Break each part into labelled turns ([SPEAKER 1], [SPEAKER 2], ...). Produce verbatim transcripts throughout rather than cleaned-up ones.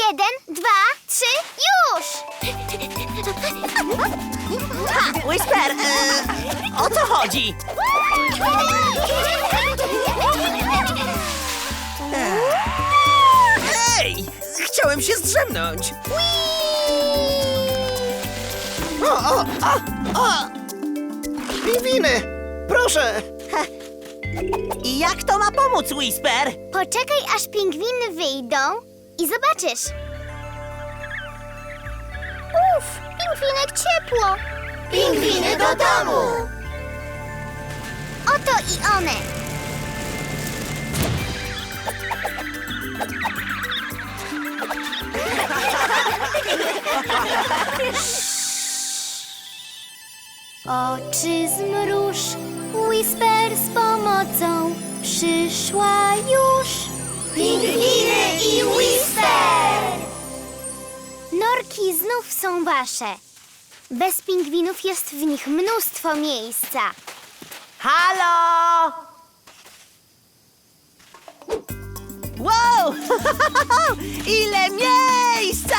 [SPEAKER 1] Jeden, dwa, trzy, już!
[SPEAKER 2] Ha! Whisper, e, o co chodzi?
[SPEAKER 3] Ej! Chciałem się zdrzemnąć. O, o, o, o! Pingwiny! Proszę!
[SPEAKER 2] I jak to ma pomóc, Whisper?
[SPEAKER 1] Poczekaj, aż pingwiny wyjdą i zobaczysz. Uf, pingwinek ciepło.
[SPEAKER 2] Pingwiny do domu!
[SPEAKER 1] Oto i one. Oczy zmruż, Whisper z pomocą przyszła już.
[SPEAKER 2] Pingwiny i Whisper!
[SPEAKER 1] Norki znów są wasze. Bez pingwinów jest w nich mnóstwo miejsca.
[SPEAKER 2] Halo! Wow! Ile miejsca!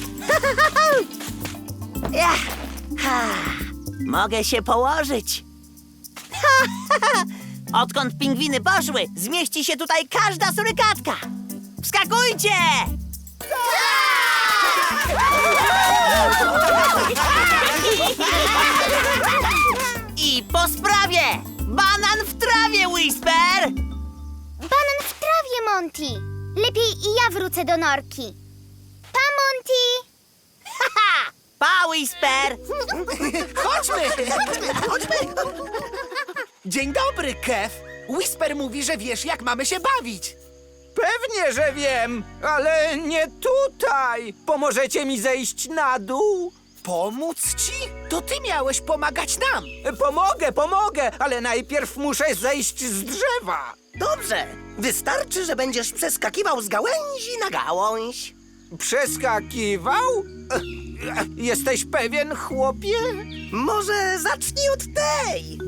[SPEAKER 2] Ja. Ha. Mogę się położyć. Odkąd pingwiny poszły, zmieści się tutaj każda surykatka. Wskakujcie! I po sprawie! Banan w trawie, Whisper!
[SPEAKER 1] Banan w trawie, Monty. Lepiej i ja wrócę do norki. Pa, Monty!
[SPEAKER 2] Haha! Pa, Whisper!
[SPEAKER 3] Chodźmy! Chodźmy! Dzień dobry, Kev. Whisper mówi, że wiesz, jak mamy się bawić.
[SPEAKER 4] Pewnie, że wiem, ale nie tutaj. Pomożecie mi zejść na dół?
[SPEAKER 3] Pomóc ci? To ty miałeś pomagać nam.
[SPEAKER 4] Pomogę, pomogę, ale najpierw muszę zejść z drzewa.
[SPEAKER 3] Dobrze. Wystarczy, że będziesz przeskakiwał z gałęzi na gałąź.
[SPEAKER 4] Przeskakiwał? E, Jesteś pewien, chłopie?
[SPEAKER 3] Może zacznij od tej.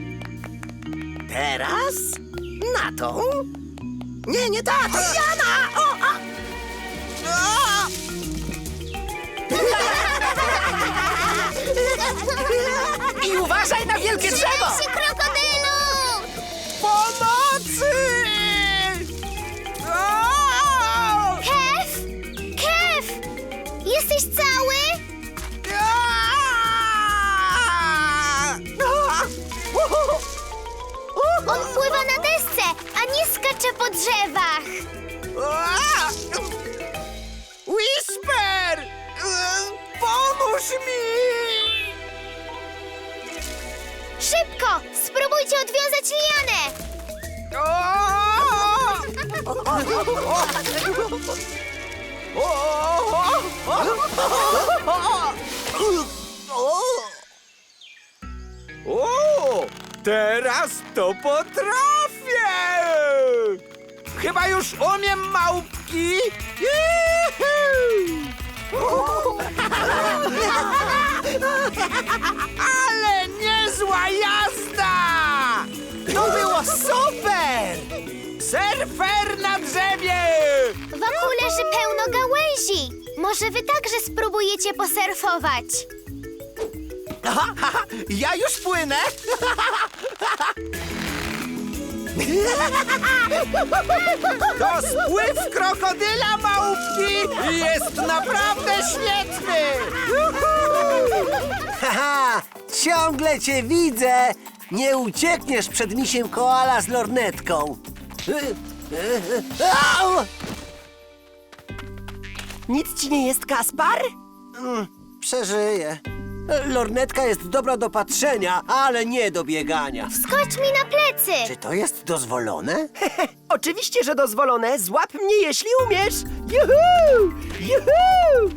[SPEAKER 3] Teraz na tą. Nie, nie ta, to ja na... O, a. O! I uważaj na wielkie drzewo!
[SPEAKER 1] Trzymaj się, krokodylu!
[SPEAKER 4] Pomocy! O!
[SPEAKER 1] Kev! Kev! Jesteś cały? On pływa na desce, a nie skacze po drzewach.
[SPEAKER 4] Whisper! Pomóż mi!
[SPEAKER 1] Szybko! Spróbujcie odwiązać lianę!
[SPEAKER 4] O, teraz to potrafię! Chyba już umiem, małpki! Juhu! Ale niezła jazda! To było super! Surfer na drzewie!
[SPEAKER 1] Wokół leży pełno gałęzi. Może wy także spróbujecie posurfować.
[SPEAKER 3] Aha, aha, ja już płynę.
[SPEAKER 4] To spływ krokodyla, małpki! Jest naprawdę świetny!
[SPEAKER 5] Haha, ciągle cię widzę! Nie uciekniesz przed misiem koala z lornetką. Au!
[SPEAKER 2] Nic ci nie jest, Kaspar?
[SPEAKER 5] Mm, Przeżyję. Lornetka jest dobra do patrzenia, ale nie do biegania.
[SPEAKER 1] Skocz mi na plecy.
[SPEAKER 5] Czy to jest dozwolone?
[SPEAKER 2] Oczywiście, że dozwolone. Złap mnie, jeśli umiesz. Juhu! Juhu!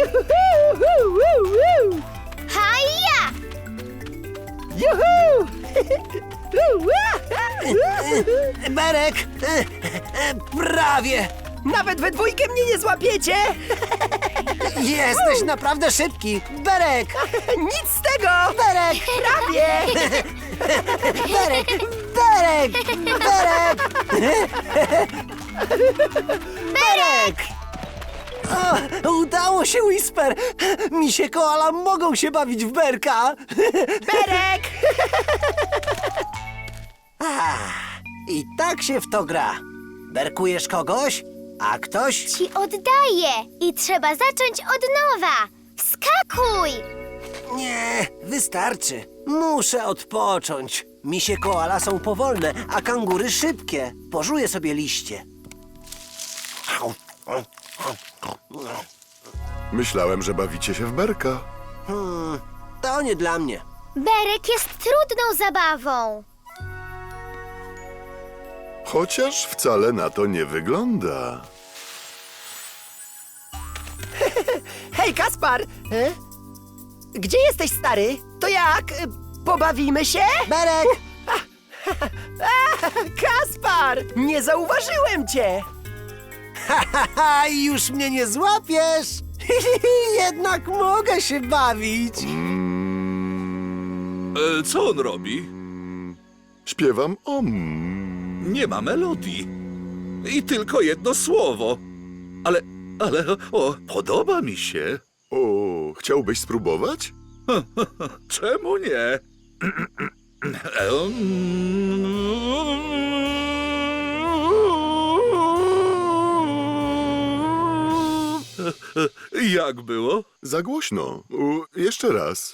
[SPEAKER 2] Juhu!
[SPEAKER 1] Haja!
[SPEAKER 2] Juhu!
[SPEAKER 5] Berek! e, e, Prawie!
[SPEAKER 2] Nawet we dwójkę mnie nie złapiecie!
[SPEAKER 5] Jesteś naprawdę szybki! Berek!
[SPEAKER 2] Nic z tego!
[SPEAKER 5] Berek!
[SPEAKER 2] Prawie!
[SPEAKER 5] Berek! Berek! Berek! Berek! O, udało się, Whisper! Misie koala mogą się bawić w berka!
[SPEAKER 2] Berek!
[SPEAKER 5] I tak się w to gra. Berkujesz kogoś, a ktoś...
[SPEAKER 1] Ci oddaję i trzeba zacząć od nowa. Wskakuj!
[SPEAKER 5] Nie, wystarczy. Muszę odpocząć. Misie koala są powolne, a kangury szybkie. Pożuję sobie liście.
[SPEAKER 6] Myślałem, że bawicie się w berka.
[SPEAKER 5] Hmm, to nie dla mnie.
[SPEAKER 1] Berek jest trudną zabawą.
[SPEAKER 6] Chociaż wcale na to nie wygląda.
[SPEAKER 2] Hej, Kaspar! E? Gdzie jesteś, stary? To jak? E, Pobawimy się?
[SPEAKER 5] Berek!
[SPEAKER 2] Kaspar! Nie zauważyłem cię!
[SPEAKER 5] Haha, już mnie nie złapiesz! Jednak mogę się bawić.
[SPEAKER 7] E, co on robi?
[SPEAKER 6] Śpiewam om.
[SPEAKER 7] Nie ma melodii. I tylko jedno słowo. Ale, ale, o, podoba mi się.
[SPEAKER 6] O, chciałbyś spróbować?
[SPEAKER 7] Czemu nie? Jak było?
[SPEAKER 6] Za głośno. U, jeszcze raz.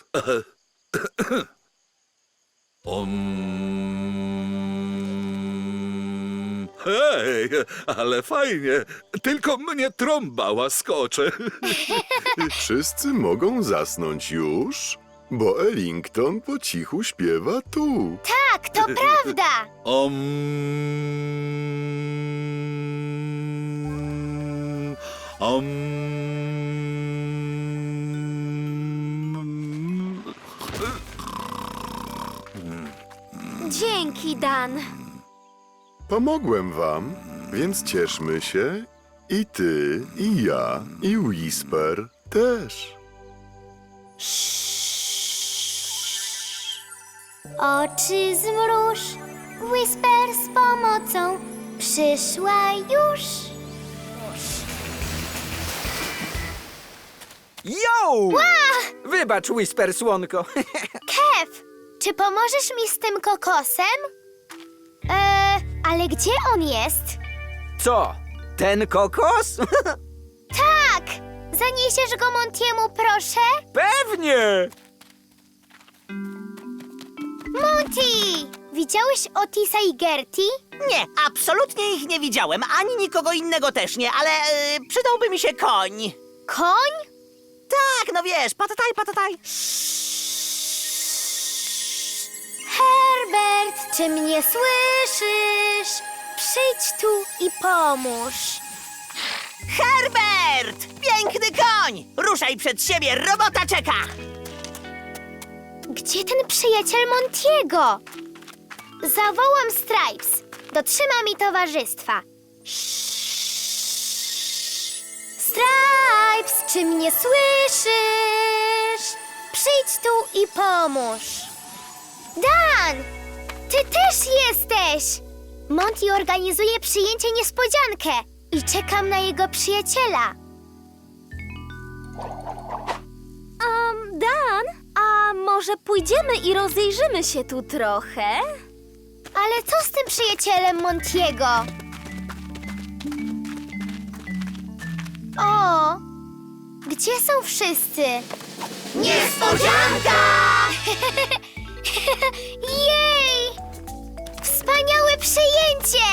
[SPEAKER 7] Um... Hej, ale fajnie. Tylko mnie trąba łaskocze.
[SPEAKER 6] Wszyscy mogą zasnąć już, bo Ellington po cichu śpiewa tu.
[SPEAKER 1] Tak, to prawda.
[SPEAKER 7] Um... Um...
[SPEAKER 1] Dzięki, Dan.
[SPEAKER 6] Pomogłem wam, więc cieszmy się. I ty, i ja, i Whisper też.
[SPEAKER 1] Oczy zmruż, Whisper z pomocą przyszła już.
[SPEAKER 4] Yo! Wybacz, Whisper, słonko.
[SPEAKER 1] Kev, czy pomożesz mi z tym kokosem? Eee, ale gdzie on jest?
[SPEAKER 4] Co? Ten kokos?
[SPEAKER 1] Tak! Zaniesiesz go Montiemu, proszę?
[SPEAKER 4] Pewnie!
[SPEAKER 1] Monty! Widziałeś Otisa i Gertie?
[SPEAKER 8] Nie, absolutnie ich nie widziałem, ani nikogo innego też nie, ale e, przydałby mi się koń.
[SPEAKER 1] Koń?
[SPEAKER 8] Tak, no wiesz, patataj, patataj.
[SPEAKER 1] Herbert, czy mnie słyszysz? Przyjdź tu i pomóż.
[SPEAKER 8] Herbert! Piękny koń! Ruszaj przed siebie, robota czeka!
[SPEAKER 1] Gdzie ten przyjaciel Montiego? Zawołam Stripes. Dotrzyma mi towarzystwa. Stripes, czy mnie słyszysz? Przyjdź tu i pomóż. Dan! Ty też jesteś! Monty organizuje przyjęcie niespodziankę i czekam na jego przyjaciela.
[SPEAKER 9] Um, Dan, a może pójdziemy i rozejrzymy się tu trochę?
[SPEAKER 1] Ale co z tym przyjacielem Montiego? O! Gdzie są wszyscy? Niespodzianka! Jej! Wspaniałe przyjęcie!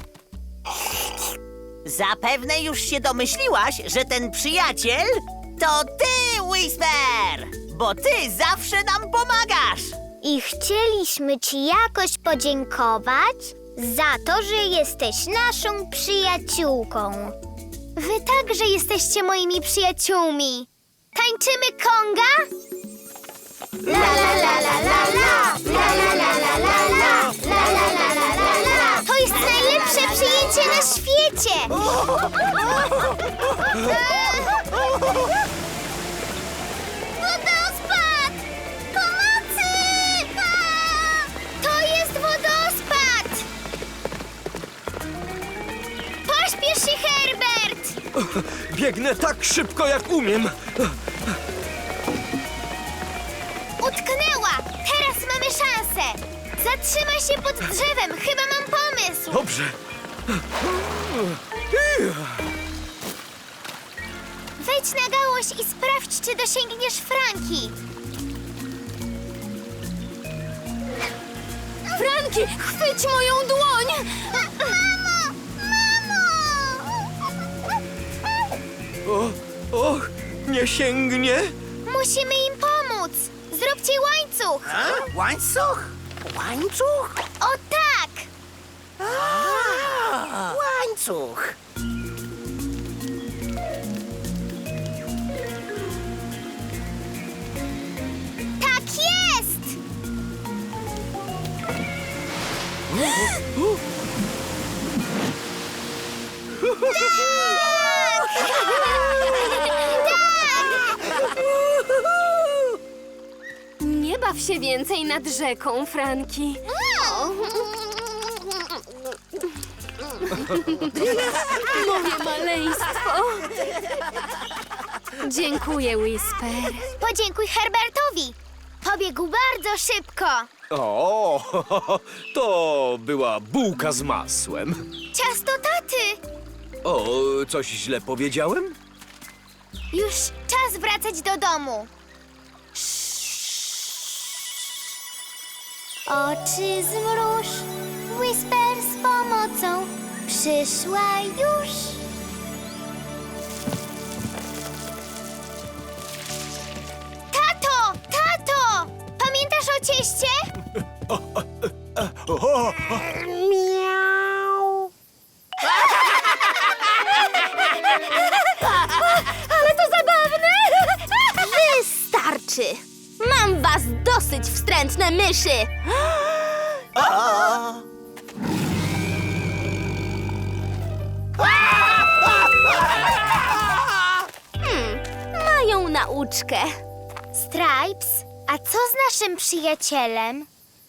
[SPEAKER 8] Zapewne już się domyśliłaś, że ten przyjaciel to ty, Whisper! Bo ty zawsze nam pomagasz!
[SPEAKER 1] I chcieliśmy ci jakoś podziękować za to, że jesteś naszą przyjaciółką. Wy także jesteście moimi przyjaciółmi. Tańczymy konga? La la la la la la, la la la la la la, la la la la la la. To jest najlepsze przyjęcie na świecie! Wodospad! Pomocy! To jest wodospad! Pośpiesz się, Herbert!
[SPEAKER 4] Biegnę tak szybko, jak umiem.
[SPEAKER 1] Utknęła! Teraz mamy szansę! Zatrzymaj się pod drzewem, chyba mam pomysł!
[SPEAKER 4] Dobrze.
[SPEAKER 1] Wejdź na gałąź i sprawdź, czy dosięgniesz Franki.
[SPEAKER 9] Franki, chwyć moją dłoń!
[SPEAKER 1] Mamo! Mamo!
[SPEAKER 4] O, och, nie sięgnie?
[SPEAKER 1] Musimy im pomóc! Zróbcie łańcuch!
[SPEAKER 3] A? Łańcuch? Łańcuch?
[SPEAKER 1] O tak!
[SPEAKER 3] A, łańcuch.
[SPEAKER 1] Tak jest!
[SPEAKER 9] Nie baw się więcej nad rzeką, Franki. Moje maleństwo. Dziękuję, Whisper.
[SPEAKER 1] Podziękuj Herbertowi! Pobiegł bardzo szybko!
[SPEAKER 4] O, to była bułka z masłem.
[SPEAKER 1] Ciasto taty!
[SPEAKER 4] O, coś źle powiedziałem?
[SPEAKER 1] Już czas wracać do domu. Oczy zmruż, Whisper z pomocą przyszła już. Tato! Tato! Pamiętasz o cieście? Miau.
[SPEAKER 9] Ale to zabawne! Wystarczy! Mam was dosyć, wstrętne myszy! Hmm, mają nauczkę.
[SPEAKER 1] Stripes, a co z naszym przyjacielem?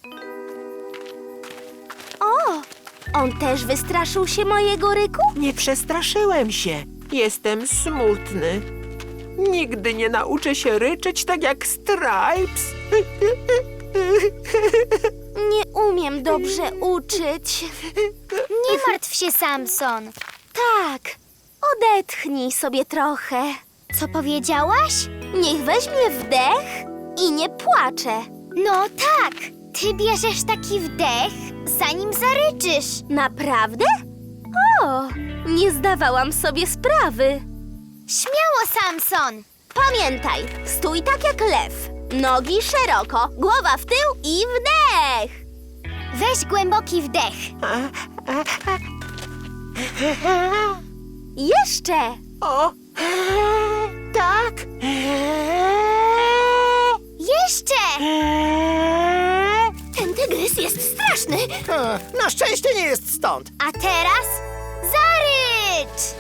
[SPEAKER 9] O, on też wystraszył się mojego ryku?
[SPEAKER 10] Nie przestraszyłem się. Jestem smutny. Nigdy nie nauczę się ryczeć tak jak Stripes.
[SPEAKER 9] Nie umiem dobrze uczyć.
[SPEAKER 1] Nie martw się, Samson.
[SPEAKER 9] Tak, odetchnij sobie trochę.
[SPEAKER 1] Co powiedziałaś?
[SPEAKER 9] Niech weźmie wdech i nie płacze.
[SPEAKER 1] No tak, ty bierzesz taki wdech, zanim zaryczysz.
[SPEAKER 9] Naprawdę? O, nie zdawałam sobie sprawy.
[SPEAKER 1] Śmiało, Samson.
[SPEAKER 9] Pamiętaj, stój tak jak lew. Nogi szeroko, głowa w tył i wdech.
[SPEAKER 1] Weź głęboki wdech.
[SPEAKER 9] Jeszcze.
[SPEAKER 10] O, tak.
[SPEAKER 1] Jeszcze!
[SPEAKER 9] Ten tygrys jest straszny.
[SPEAKER 2] E, Na szczęście nie jest stąd.
[SPEAKER 1] A teraz zarycz!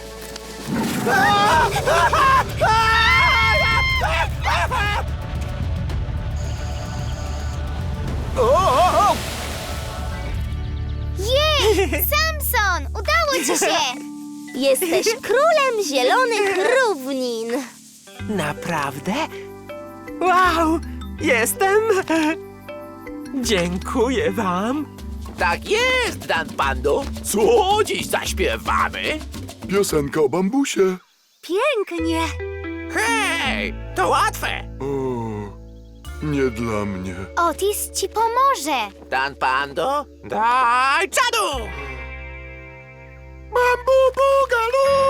[SPEAKER 1] Jej! Samson! Udało ci się!
[SPEAKER 9] Jesteś królem zielonych równin.
[SPEAKER 10] Naprawdę? Wow, jestem. Dziękuję wam.
[SPEAKER 3] Tak jest, Dan Pando. Co dziś zaśpiewamy?
[SPEAKER 6] Piosenka o bambusie.
[SPEAKER 9] Pięknie.
[SPEAKER 3] Hej, to łatwe.
[SPEAKER 6] O, nie dla mnie.
[SPEAKER 1] Otis ci pomoże.
[SPEAKER 3] Dan Pando, daj czadu!
[SPEAKER 6] Bambu bugalu!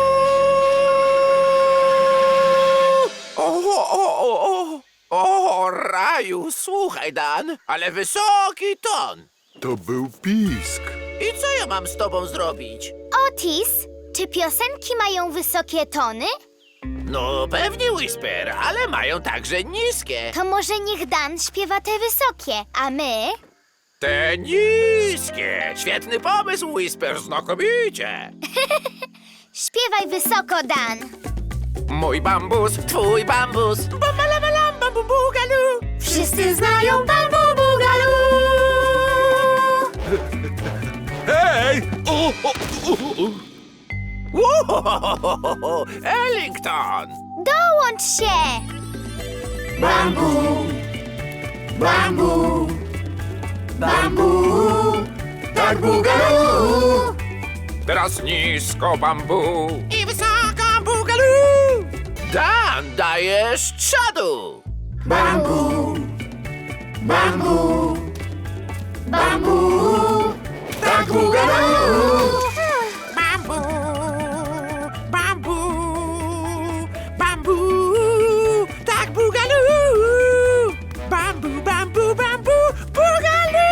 [SPEAKER 3] O, o, o, o, o, raju, słuchaj, Dan, ale wysoki ton.
[SPEAKER 6] To był pisk.
[SPEAKER 3] I co ja mam z tobą zrobić?
[SPEAKER 1] Otis, czy piosenki mają wysokie tony?
[SPEAKER 3] No pewnie, Whisper, ale mają także niskie.
[SPEAKER 1] To może niech Dan śpiewa te wysokie, a my...
[SPEAKER 3] Te niskie! Świetny pomysł, Whisper, znakomicie!
[SPEAKER 1] Śpiewaj wysoko, Dan.
[SPEAKER 3] Mój bambus, twój bambus, bambalamalam, bambu bugalu.
[SPEAKER 1] Wszyscy znają Bambu Bugalu.
[SPEAKER 7] Hej! O, o, o, o.
[SPEAKER 4] Uhohohoho, Ellington!
[SPEAKER 1] Dołącz się!
[SPEAKER 2] Bambu, bambu, bambu, tak bugalu.
[SPEAKER 4] Teraz nisko bambu i wysoko bugalu. Dan, dajesz czadu.
[SPEAKER 2] Bambu, bambu, bambu, tak bugalu.
[SPEAKER 10] Bambu, bambu, bambu, tak bugalu. Bambu, bambu, bambu, bugalu.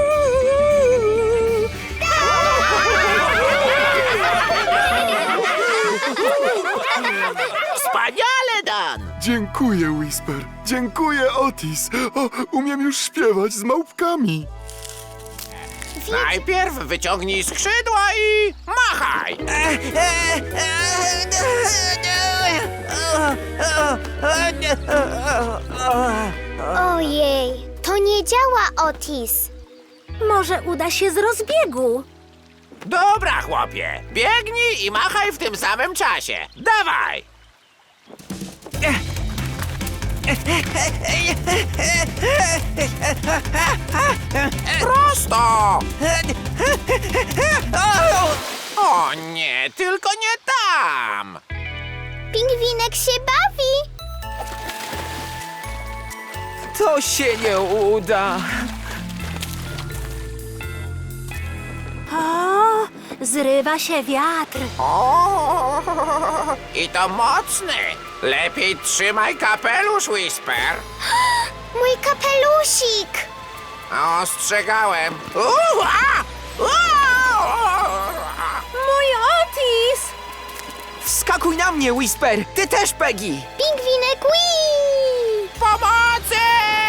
[SPEAKER 4] Wspaniale, Dan!
[SPEAKER 6] Dziękuję, Whisper. Dziękuję, Otis. O, umiem już śpiewać z małpkami.
[SPEAKER 4] Najpierw wyciągnij skrzydła i machaj!
[SPEAKER 1] Ojej, to nie działa, Otis.
[SPEAKER 9] Może uda się z rozbiegu.
[SPEAKER 4] Dobra, chłopie, biegnij i machaj w tym samym czasie. Dawaj! Prosto! O nie, tylko nie tam!
[SPEAKER 1] Pingwinek się bawi.
[SPEAKER 10] To się nie uda.
[SPEAKER 9] O, zrywa się wiatr.
[SPEAKER 4] O, i to mocny! Lepiej trzymaj kapelusz, Whisper.
[SPEAKER 1] Mój kapelusik.
[SPEAKER 4] Ostrzegałem. Ua! Ua!
[SPEAKER 9] Mój Otis!
[SPEAKER 10] Wskakuj na mnie, Whisper! Ty też, Peggy!
[SPEAKER 1] Pingwinek, wii!
[SPEAKER 4] Pomocy!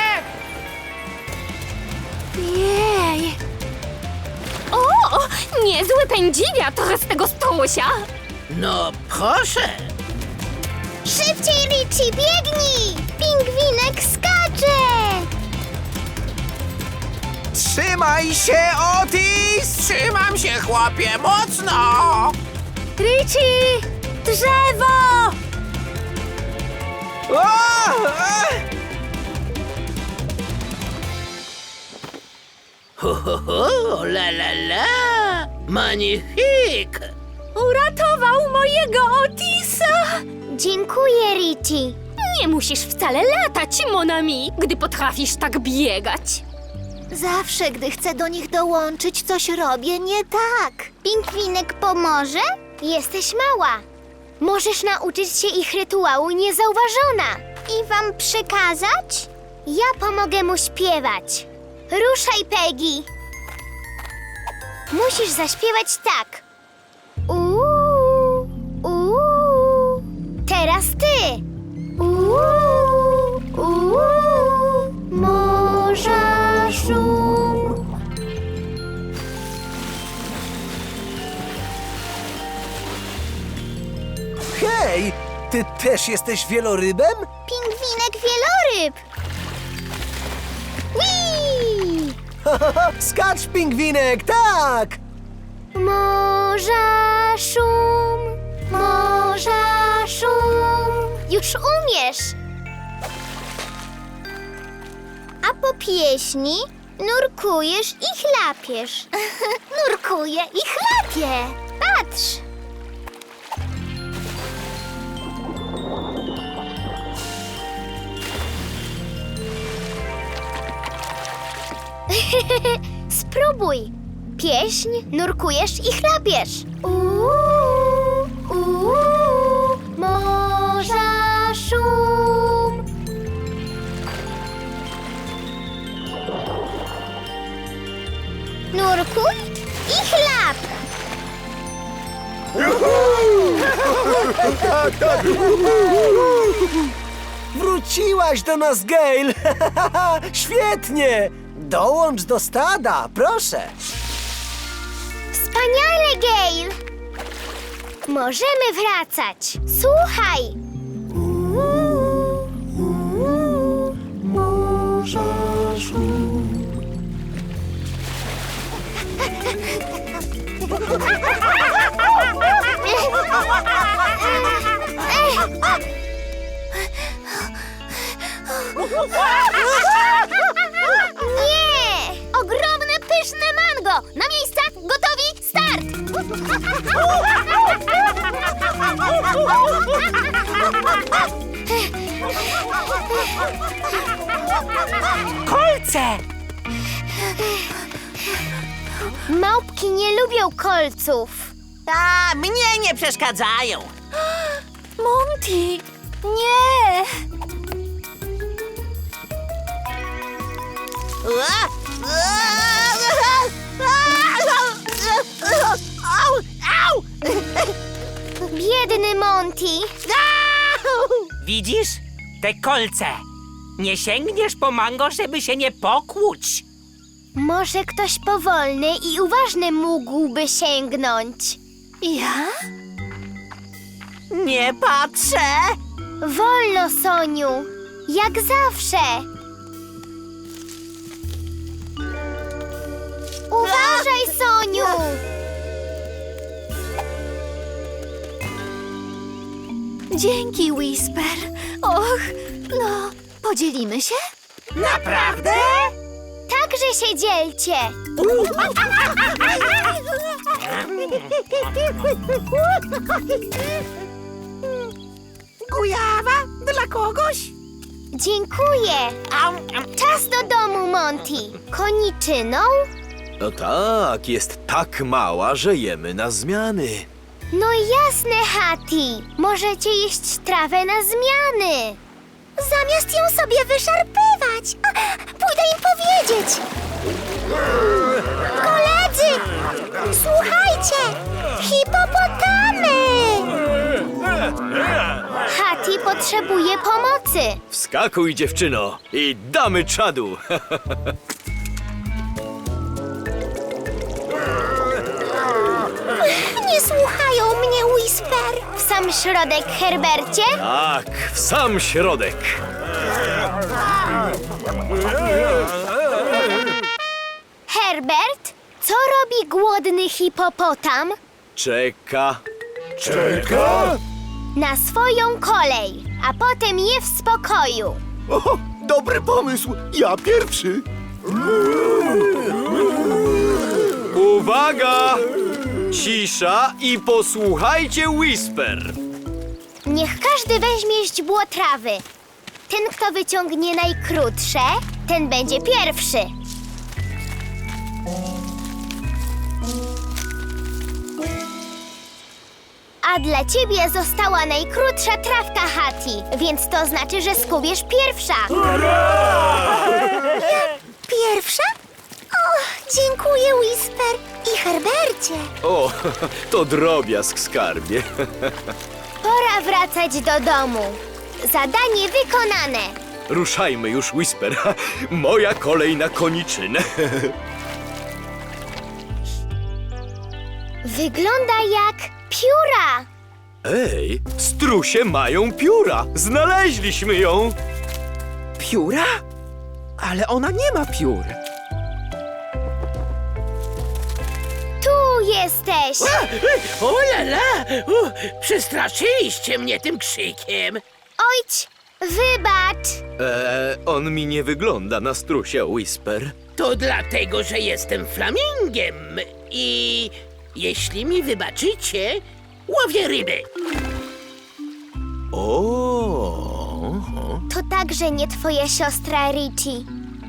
[SPEAKER 9] Jej! O, niezły pędziwiatr z tego strusia!
[SPEAKER 8] No proszę.
[SPEAKER 1] Szybciej, Richie, biegnij! Pingwinek skacze!
[SPEAKER 4] Trzymaj się, Otis! Trzymam się, chłopie, mocno!
[SPEAKER 9] Richie! Drzewo!
[SPEAKER 4] O! A!
[SPEAKER 8] Ho, ho, ho, la, la, la. Magnifique.
[SPEAKER 9] Uratował mojego Otisa!
[SPEAKER 1] Dziękuję, Richie.
[SPEAKER 9] Nie musisz wcale latać, Monami, gdy potrafisz tak biegać.
[SPEAKER 1] Zawsze, gdy chcę do nich dołączyć, coś robię nie tak. Pingwinek pomoże? Jesteś mała. Możesz nauczyć się ich rytuału niezauważona. I wam przekazać? Ja pomogę mu śpiewać. Ruszaj, Peggy. Musisz zaśpiewać tak. Uuu, uuu. Teraz ty. Uuu, uuu. Morza szum.
[SPEAKER 5] Hej, ty też jesteś wielorybem?
[SPEAKER 1] Pingwinek wieloryb. Whee!
[SPEAKER 5] Skacz, pingwinek, tak!
[SPEAKER 1] Morza szum, morza szum. Już umiesz. A po pieśni nurkujesz i chlapiesz. Nurkuję i chlapię. Patrz. Spróbuj. Pieśń, nurkujesz i chlapiesz. Uuu, uuu, morza szum. Nurkuj i chlap.
[SPEAKER 5] Wróciłaś do nas, Gail! Świetnie! Dołącz do stada, proszę!
[SPEAKER 1] Wspaniale, Gail. Możemy wracać. Słuchaj. Uuu, uuu, morza szum. Nie! Ogromne, pyszne mango! Na miejsca, gotowi, start!
[SPEAKER 10] Kolce!
[SPEAKER 1] Małpki nie lubią kolców.
[SPEAKER 8] A, mnie nie przeszkadzają.
[SPEAKER 9] Monty! Nie!
[SPEAKER 8] Au, au!
[SPEAKER 1] Biedny Monty.
[SPEAKER 10] Widzisz? Te kolce. Nie sięgniesz po mango, żeby się nie pokłuć.
[SPEAKER 1] Może ktoś powolny i uważny mógłby sięgnąć.
[SPEAKER 9] Ja?
[SPEAKER 8] Nie patrzę.
[SPEAKER 1] Wolno, Soniu. Jak zawsze. Uważaj, Soniu.
[SPEAKER 9] Dzięki, Whisper. Och, no, podzielimy się?
[SPEAKER 8] Naprawdę?
[SPEAKER 1] Także się dzielcie.
[SPEAKER 8] Kujawa? Dla kogoś?
[SPEAKER 1] Dziękuję.
[SPEAKER 8] Au, au.
[SPEAKER 1] Czas do domu, Monty. Koniczyną?
[SPEAKER 11] No tak, jest tak mała, że jemy na zmiany.
[SPEAKER 1] No jasne, Hattie. Możecie jeść trawę na zmiany. Zamiast ją sobie wyszarpywać. Pójdę im powiedzieć. Koledzy, słuchajcie. Hipopotamy. Hattie potrzebuje pomocy.
[SPEAKER 11] Wskakuj, dziewczyno, i damy czadu.
[SPEAKER 1] Nie słuchają mnie, Whisper. W sam środek, Herbercie?
[SPEAKER 11] Tak, w sam środek.
[SPEAKER 1] Herbert, co robi głodny hipopotam?
[SPEAKER 11] Czeka.
[SPEAKER 6] Czeka?
[SPEAKER 1] Na swoją kolej, a potem je w spokoju.
[SPEAKER 6] O, dobry pomysł! Ja pierwszy!
[SPEAKER 11] Uwaga! Cisza i posłuchajcie Whisper.
[SPEAKER 1] Niech każdy weźmie źdźbło trawy. Ten, kto wyciągnie najkrótsze, ten będzie pierwszy. A dla ciebie została najkrótsza trawka, Hattie, więc to znaczy, że skubiesz pierwsza. Pierwsza? O, dziękuję, Whisper i Herbercie.
[SPEAKER 11] O, to drobiazg, skarbie.
[SPEAKER 1] Pora wracać do domu. Zadanie wykonane.
[SPEAKER 11] Ruszajmy już, Whisper. Moja kolej na koniczynę.
[SPEAKER 1] Wygląda jak pióra.
[SPEAKER 11] Ej, strusie mają pióra. Znaleźliśmy ją.
[SPEAKER 10] Pióra? Ale ona nie ma piór.
[SPEAKER 1] Tu jesteś.
[SPEAKER 8] O lala! U, przestraszyliście mnie tym krzykiem.
[SPEAKER 1] Ojć, wybacz.
[SPEAKER 11] Eee, on mi nie wygląda na strusia, Whisper.
[SPEAKER 8] To dlatego, że jestem flamingiem i jeśli mi wybaczycie, łowię ryby.
[SPEAKER 11] O.
[SPEAKER 1] To także nie twoja siostra, Richie.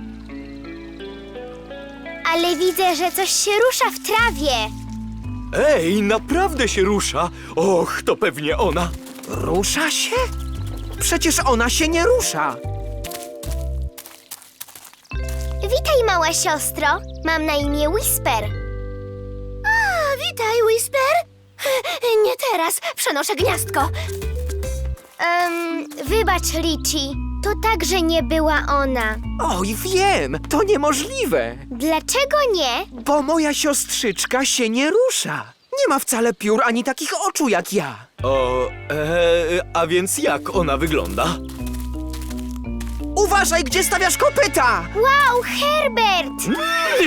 [SPEAKER 1] Ale widzę, że coś się rusza w trawie.
[SPEAKER 11] Ej, naprawdę się rusza. Och, to pewnie ona.
[SPEAKER 10] Rusza się? Przecież ona się nie rusza.
[SPEAKER 1] Witaj, mała siostro. Mam na imię Whisper. A, witaj, Whisper. Nie teraz. Przenoszę gniazdko. Um, wybacz, Richie. To także nie była ona.
[SPEAKER 10] Oj, wiem, to niemożliwe.
[SPEAKER 1] Dlaczego nie?
[SPEAKER 10] Bo moja siostrzyczka się nie rusza. Nie ma wcale piór ani takich oczu jak ja.
[SPEAKER 11] O, e, a więc jak ona wygląda?
[SPEAKER 10] Uważaj, gdzie stawiasz kopyta!
[SPEAKER 1] Wow, Herbert!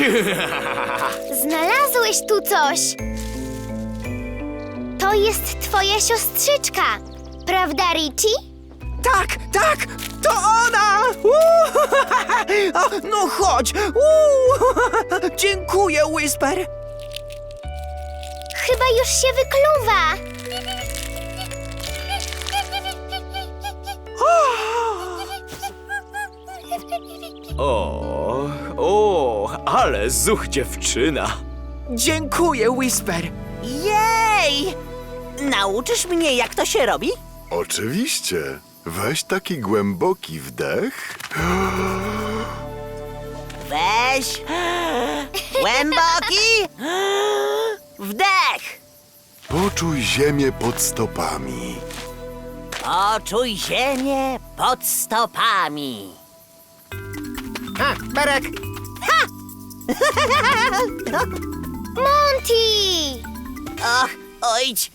[SPEAKER 1] Znalazłeś tu coś. To jest twoja siostrzyczka, prawda, Richie?
[SPEAKER 4] Tak, tak, to ona! Uuu, o, no chodź! Uuu, dziękuję, Whisper!
[SPEAKER 1] Chyba już się wykluwa.
[SPEAKER 11] O, o, ale zuch dziewczyna.
[SPEAKER 4] Dziękuję, Whisper!
[SPEAKER 8] Jej! Nauczysz mnie, jak to się robi?
[SPEAKER 6] Oczywiście. Weź taki głęboki wdech.
[SPEAKER 8] Weź. Głęboki. Wdech.
[SPEAKER 6] Poczuj ziemię pod stopami.
[SPEAKER 8] Poczuj ziemię pod stopami.
[SPEAKER 2] Ha, Berek!
[SPEAKER 1] Monty!
[SPEAKER 8] Och, ojdź.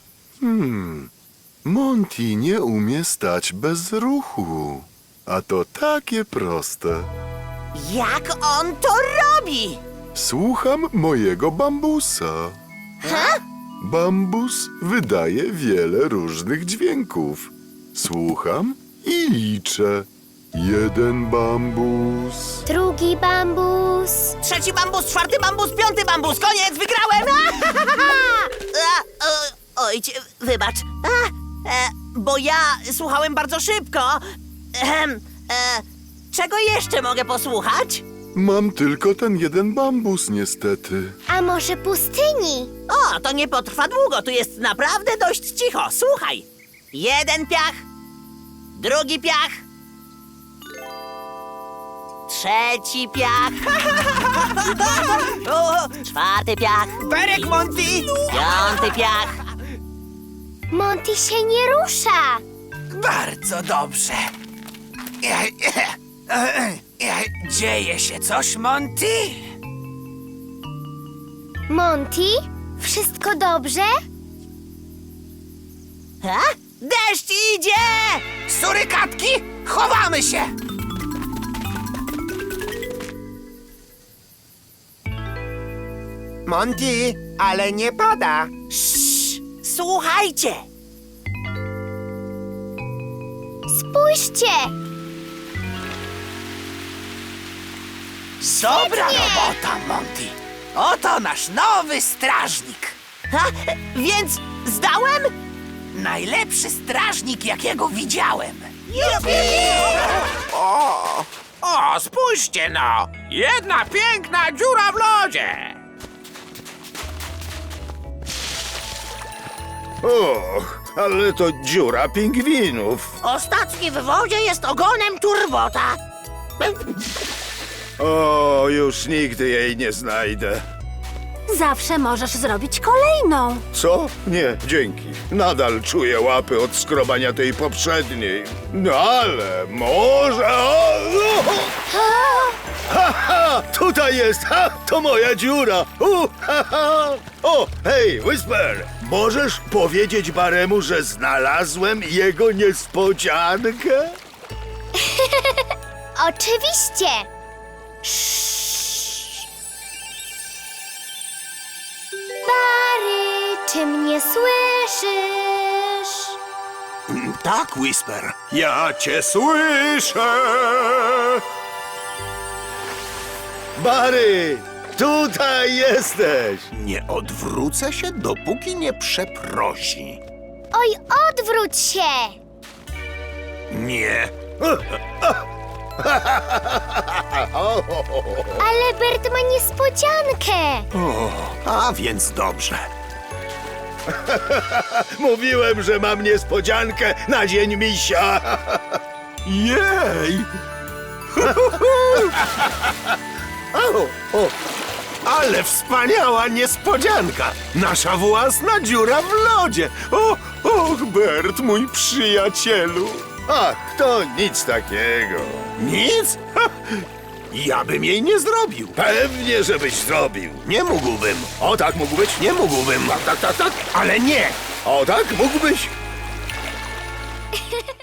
[SPEAKER 6] Monty nie umie stać bez ruchu. A to takie proste.
[SPEAKER 8] Jak on to robi?
[SPEAKER 6] Słucham mojego bambusa.
[SPEAKER 8] Ha?
[SPEAKER 6] Bambus wydaje wiele różnych dźwięków. Słucham i liczę. Jeden bambus.
[SPEAKER 1] Drugi bambus.
[SPEAKER 8] Trzeci bambus, czwarty bambus, piąty bambus. Koniec, wygrałem! A, o, ojdź, wybacz. A, e, bo ja słuchałem bardzo szybko. Ehem, e, czego jeszcze mogę posłuchać?
[SPEAKER 6] Mam tylko ten jeden bambus, niestety.
[SPEAKER 1] A może pustyni?
[SPEAKER 8] O, to nie potrwa długo, tu jest naprawdę dość cicho. Słuchaj. Jeden piach, drugi piach, trzeci piach, o, czwarty piach,
[SPEAKER 4] Berek, Monty!
[SPEAKER 8] piąty piach.
[SPEAKER 1] Monty się nie rusza.
[SPEAKER 3] Bardzo dobrze. Dzieje się coś, Monty?
[SPEAKER 1] Monty? Wszystko dobrze?
[SPEAKER 8] Ha? Deszcz idzie!
[SPEAKER 3] Surykatki, chowamy się!
[SPEAKER 2] Monty, ale nie pada.
[SPEAKER 8] Słuchajcie!
[SPEAKER 1] Spójrzcie!
[SPEAKER 3] Dobra robota, Monty. Oto nasz nowy strażnik.
[SPEAKER 8] Ha? Więc zdałem?
[SPEAKER 3] Najlepszy strażnik, jakiego widziałem.
[SPEAKER 4] O, o, spójrzcie no! Jedna piękna dziura w lodzie!
[SPEAKER 7] Och, ale to dziura pingwinów.
[SPEAKER 8] Ostatni w wodzie jest ogonem turbota.
[SPEAKER 7] O, już nigdy jej nie znajdę.
[SPEAKER 9] Zawsze możesz zrobić kolejną.
[SPEAKER 7] Co? Nie, dzięki. Nadal czuję łapy od skrobania tej poprzedniej. No ale może... O, o! Ha, ha! Tutaj jest! Ha! To moja dziura! U, ha, ha! O, hej, Whisper! Możesz powiedzieć Baremu, że znalazłem jego niespodziankę?
[SPEAKER 1] Oczywiście. Bary, czy mnie słyszysz?
[SPEAKER 7] Tak, Whisper. Ja cię słyszę! Barry, tutaj jesteś!
[SPEAKER 12] Nie odwrócę się, dopóki nie przeprosi.
[SPEAKER 1] Oj, odwróć się!
[SPEAKER 12] Nie.
[SPEAKER 1] Ale Bert ma niespodziankę.
[SPEAKER 12] O, a więc dobrze.
[SPEAKER 7] Mówiłem, że mam niespodziankę na dzień misia.
[SPEAKER 12] Jej! o, o, ale wspaniała niespodzianka! Nasza własna dziura w lodzie! O, och, Bert, mój przyjacielu!
[SPEAKER 7] Ach, to nic takiego.
[SPEAKER 12] Nic? Ha, ja bym jej nie zrobił.
[SPEAKER 7] Pewnie, żebyś zrobił.
[SPEAKER 12] Nie mógłbym.
[SPEAKER 7] O tak mógł być?
[SPEAKER 12] Nie mógłbym.
[SPEAKER 7] Tak, tak, tak, tak.
[SPEAKER 12] Ale nie!
[SPEAKER 7] O tak mógłbyś?